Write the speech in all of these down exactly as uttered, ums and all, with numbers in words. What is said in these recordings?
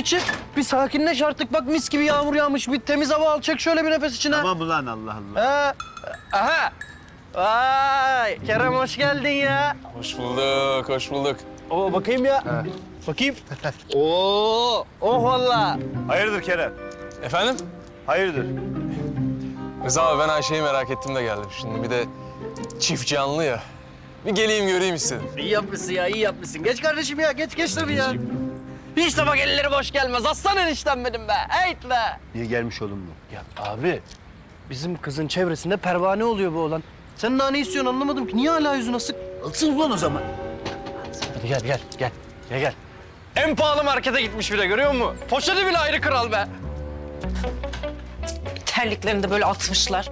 çık. Bir sakinleş artık. Bak mis gibi yağmur yağmış. Bir temiz hava al. Çek şöyle bir nefes içine. Tamam ulan Allah Allah. Ha. Aha. Vay. Kerem hoş geldin ya. Hoş bulduk, hoş bulduk. Oo bakayım ya. Ha. Bakayım. Oo. Oh valla. Hayırdır Kerem? Efendim? Hayırdır? Rıza abi ben Ayşe'yi merak ettim de geldim şimdi. Bir de çift canlı ya. Bir geleyim göreyim istedim. İyi yapmışsın ya, iyi yapmışsın. Geç kardeşim ya, geç geç tabii ya. Hiç de bak elleri boş gelmez. Aslan eniştem benim be. Heyt be. Niye gelmiş oğlum bu? Ya abi, bizim kızın çevresinde pervane oluyor bu oğlan. Sen daha ne istiyorsun anlamadım ki. Niye hala yüzün asık? Alsın ulan o zaman. Hadi gel, gel, gel. Gel, gel. En pahalı markete gitmiş bile, görüyor musun? Poşeti bile ayrı kral be. Terliklerini de böyle atmışlar.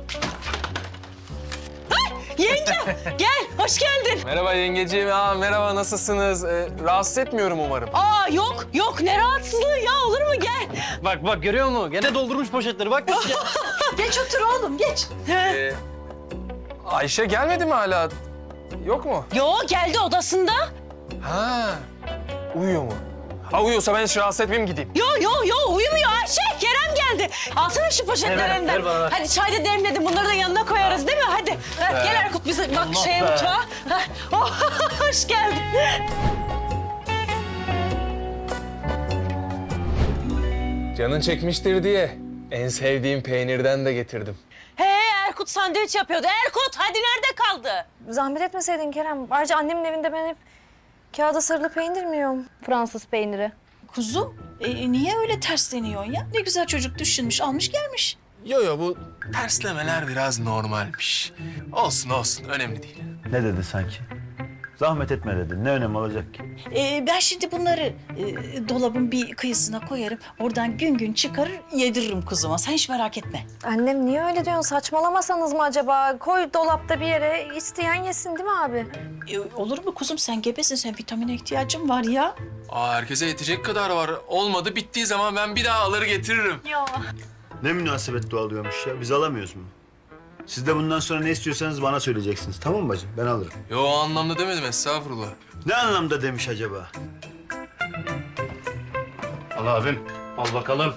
Ay, yenge gel, hoş geldin. Merhaba yengeciğim. Aa, merhaba, nasılsınız? Ee, rahatsız etmiyorum umarım. Aa yok, yok ne rahatsızlığı ya, olur mu gel. Bak bak, görüyor musun? Gene doldurmuş poşetleri, bak. Geç otur oğlum, geç. Ee, Ayşe gelmedi mi hala? Yok mu? Yo, geldi odasında. Ha, uyuyor mu? Ha, uyuyorsa ben hiç rahatsız etmeyeyim, gideyim. Yo yo yo, uyumuyor Ayşe, Kerem geldi. Alsana şu poşetlerinden. Ver, ver bana, ver. Hadi çay da demledim, bunları da yanına koyarız değil mi? Hadi ha, gel Erkut, bize bak Allah şeye be. mutfağa. Ha, oh, hoş geldin. Canın çekmiştir diye en sevdiğim peynirden de getirdim. He, Erkut sandviç yapıyordu. Erkut, hadi nerede kaldı? Zahmet etmeseydin Kerem. Ayrıca annemin evinde ben hep kağıda sarılı peynir mi yiyorum? Fransız peyniri. Kuzum, e, niye öyle tersleniyorsun ya? Ne güzel çocuk düşünmüş, almış gelmiş. Yo yo, bu terslemeler biraz normalmiş. Olsun olsun, önemli değil. Ne dedi sanki? Zahmet etme dedi. Ne önemi olacak ki? E, ben şimdi bunları e, dolabın bir kıyısına koyarım. Oradan gün gün çıkarır, yediririm kuzuma. Sen hiç merak etme. Annem niye öyle diyorsun? Saçmalamasanız mı acaba? Koy dolapta bir yere, isteyen yesin değil mi abi? E, olur mu kuzum? Sen gebesin, sen vitamine ihtiyacın var ya. Aa, herkese yetecek kadar var. Olmadı, bittiği zaman ben bir daha alır getiririm. Ne münasebet doğalıyormuş ya. Biz alamıyoruz mu? Siz de bundan sonra ne istiyorsanız bana söyleyeceksiniz. Tamam mı bacım? Ben alırım. Yo, o anlamda demedim, estağfurullah. Ne anlamda demiş acaba? Al abim, al bakalım.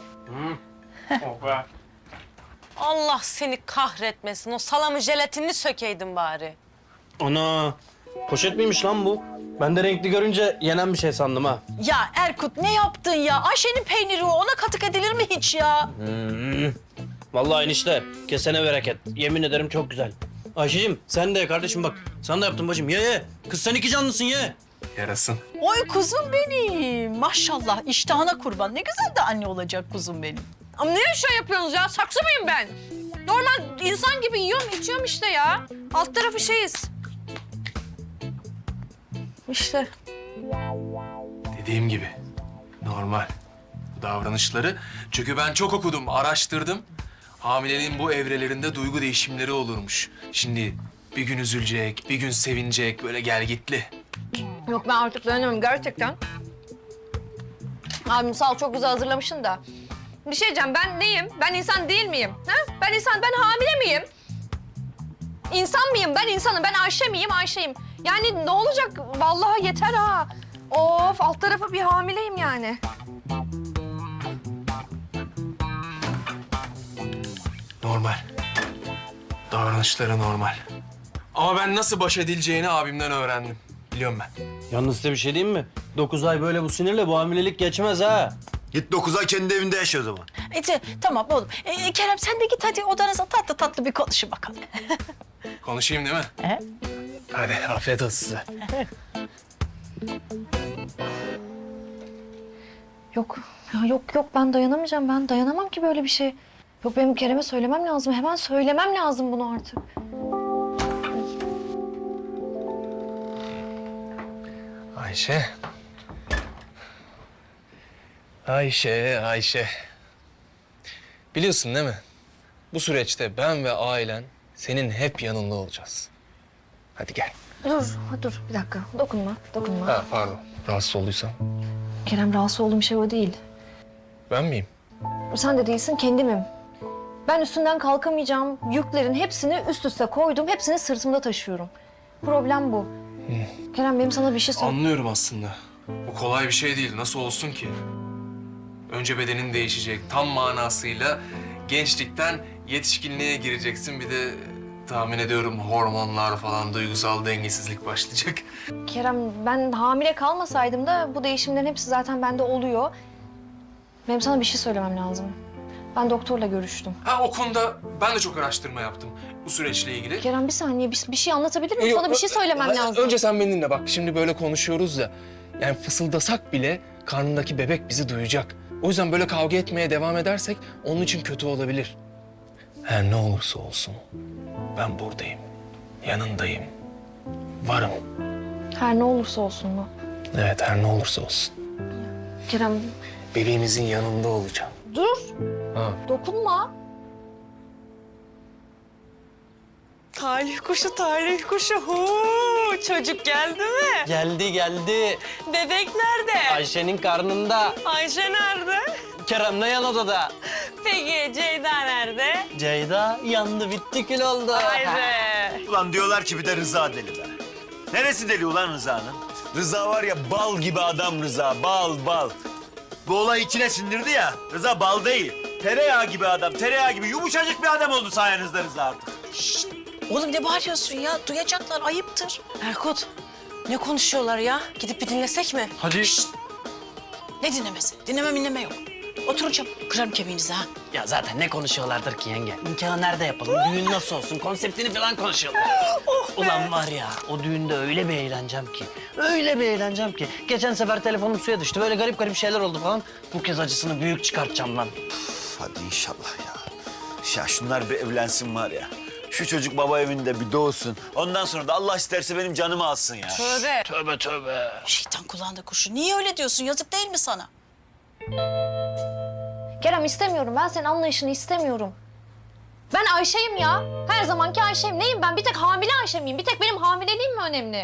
Allah seni kahretmesin. O salamı jelatinini sökeydin bari. Ana, poşet miymiş lan bu? Ben de renkli görünce yenen bir şey sandım ha. Ya Erkut ne yaptın ya? Ayşe'nin peyniri o. Ona katık edilir mi hiç ya? Hmm. Vallahi enişte, kesene bereket. Yemin ederim çok güzel. Ayşe'cim sen de kardeşim bak. Sen de yaptın bacım. Ye ye. Kız sen iki canlısın ye. Yarasın. Oy kuzum benim. Maşallah iştahına kurban. Ne güzel de anne olacak kuzum benim. Ama ne şey yapıyorsunuz ya? Saksı mıyım ben? Normal insan gibi yiyorum, içiyorum işte ya. Alt tarafı şeyiz. İşte. Dediğim gibi normal bu davranışları. Çünkü ben çok okudum, araştırdım. Hamileliğin bu evrelerinde duygu değişimleri olurmuş. Şimdi bir gün üzülecek, bir gün sevinecek, böyle gelgitli. Yok ben artık dayanamıyorum gerçekten. Abim sağ ol çok güzel hazırlamışsın da. Bir şey diyeceğim, ben neyim? Ben insan değil miyim? Ha? Ben insan, ben hamile miyim? İnsan mıyım? Ben insanım. Ben Ayşe miyim? Ayşe'yim. Yani ne olacak? Vallahi yeter ha. Of, alt tarafı bir hamileyim yani. Normal. Davranışları normal. Ama ben nasıl baş edileceğini abimden öğrendim. Biliyorum ben. Yalnız size bir şey diyeyim mi? Dokuz ay böyle bu sinirle bu hamilelik geçmez ha. Git dokuz ay kendi evinde yaşa o zaman. E, tamam oğlum. E, Kerem sen de git hadi odanıza tatlı tatlı bir konuşun bakalım. Konuşayım değil mi? He? Hadi afiyet olsun size. Yok ya yok yok ben dayanamayacağım. Ben dayanamam ki böyle bir şey. Yok benim Kerem'e söylemem lazım. Hemen söylemem lazım bunu artık. Ayşe. Ayşe, Ayşe. Biliyorsun değil mi? Bu süreçte ben ve ailen senin hep yanında olacağız. Hadi gel. Dur, ha, dur bir dakika. Dokunma, dokunma. Ha, pardon. Rahatsız olduysam. Kerem rahatsız olduğum şey o değil. Ben miyim? Sen de değilsin, kendimim. Ben üstünden kalkamayacağım yüklerin hepsini üst üste koydum. Hepsini sırtımda taşıyorum. Problem bu. Kerem benim sana bir şey sor... Anlıyorum aslında. Bu kolay bir şey değil. Nasıl olsun ki? Önce bedenin değişecek. Tam manasıyla gençlikten yetişkinliğe gireceksin. Bir de tahmin ediyorum hormonlar falan, duygusal dengesizlik başlayacak. Kerem, ben hamile kalmasaydım da bu değişimlerin hepsi zaten bende oluyor. Benim sana bir şey söylemem lazım. Ben doktorla görüştüm. Ha, o konuda ben de çok araştırma yaptım bu süreçle ilgili. Kerem bir saniye bir, bir şey anlatabilir miyim? Yok, Sana bir şey söylemem ö- lazım. Önce sen beni dinle bak. Şimdi böyle konuşuyoruz ya. Yani fısıldasak bile karnındaki bebek bizi duyacak. O yüzden böyle kavga etmeye devam edersek onun için kötü olabilir. Her ne olursa olsun ben buradayım. Yanındayım. Varım. Her ne olursa olsun mu? Evet, her ne olursa olsun. Kerem Bebeğimizin yanında olacağım. dur. Ha. Dokunma. Talih kuşu, talih kuşu. Huu, çocuk geldi mi? Geldi geldi. Bebek nerede? Ayşe'nin karnında. Ayşe nerede? Kerem de yan odada. Peki Ceyda nerede? Ceyda yandı bitti kül oldu. Ayşe. Ulan diyorlar ki bir de Rıza deli be. Neresi deli ulan Rıza'nın? Rıza var ya bal gibi adam Rıza, bal bal. Bu olay içine sindirdi ya, Rıza bal değil. Tereyağı gibi adam, tereyağı gibi yumuşacık bir adam oldu sayenizde Rıza artık. Oğlum ne bağırıyorsun ya? Duyacaklar, ayıptır. Erkut, ne konuşuyorlar ya? Gidip bir dinlesek mi? Hadi. Ne dinlemesi? Dinleme dinleme yok. Oturun çabuk, kırarım kemiğinizi ha. Ya zaten ne konuşuyorlardır ki yenge? Nikahı nerede yapalım? Düğün nasıl olsun? Konseptini falan konuşuyorlar. Ulan var ya, o düğünde öyle bir eğleneceğim ki. Öyle bir eğleneceğim ki. Geçen sefer telefonum suya düştü. Böyle garip garip şeyler oldu falan. Bu kez acısını büyük çıkartacağım lan. Hadi inşallah ya. Ya şunlar bir evlensin var ya. Şu çocuk baba evinde bir doğsun. Ondan sonra da Allah isterse benim canımı alsın ya. Tövbe. Tövbe tövbe. Şeytan kulağında kuşu. Niye öyle diyorsun? Yazık değil mi sana? Kerem istemiyorum. Ben senin anlayışını istemiyorum. Ben Ayşe'yim ya. Her zamanki Ayşe'yim. Neyim ben? Bir tek hamile Ayşe miyim? Bir tek benim hamileliğim mi önemli?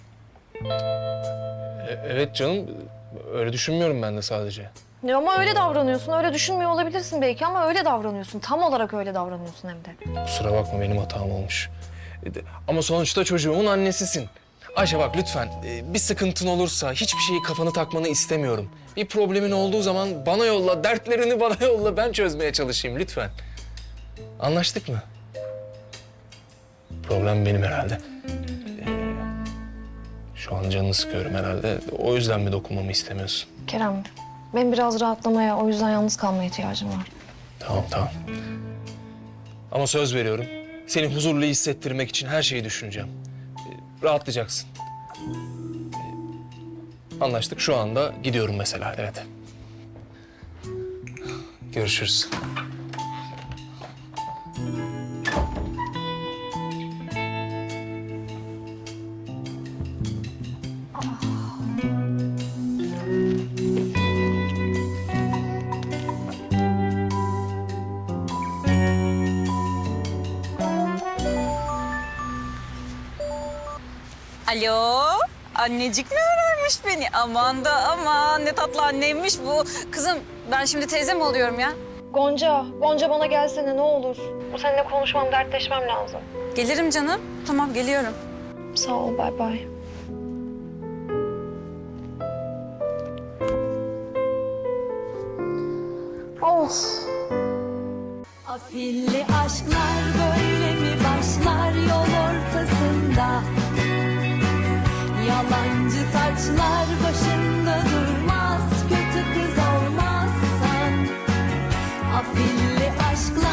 E- evet canım, öyle düşünmüyorum ben de sadece. Ya ama öyle davranıyorsun. Öyle düşünmüyor olabilirsin belki ama öyle davranıyorsun. Tam olarak öyle davranıyorsun hem de. Kusura bakma, benim hatam olmuş. E de- Ama sonuçta çocuğumun annesisin. Ayşe bak lütfen, e, bir sıkıntın olursa hiçbir şeyi kafanı takmanı istemiyorum. Bir problemin olduğu zaman bana yolla, dertlerini bana yolla, ben çözmeye çalışayım lütfen. Anlaştık mı? Problem benim herhalde. Ee, şu an canını sıkıyorum herhalde. O yüzden mi dokunmamı istemiyorsun? Kerem, benim biraz rahatlamaya, o yüzden yalnız kalmaya ihtiyacım var. Tamam, tamam. Ama söz veriyorum. Seni huzurlu hissettirmek için her şeyi düşüneceğim. Ee, rahatlayacaksın. Ee, anlaştık. Şu anda gidiyorum mesela. Evet. Görüşürüz. Alo, annecik mi öğrenmiş beni? Aman da aman, ne tatlı anneymiş bu. Kızım, ben şimdi teyze mi oluyorum ya? Gonca, Gonca bana gelsene ne olur. Seninle konuşmam, dertleşmem lazım. Gelirim canım. Tamam, geliyorum. Sağ ol, bay bay. Of. Afilli aşklar böyle mi başlar yol ortasında? Yalancı taçlar başında durmaz, kötü kız olmazsan. Afilli aşklar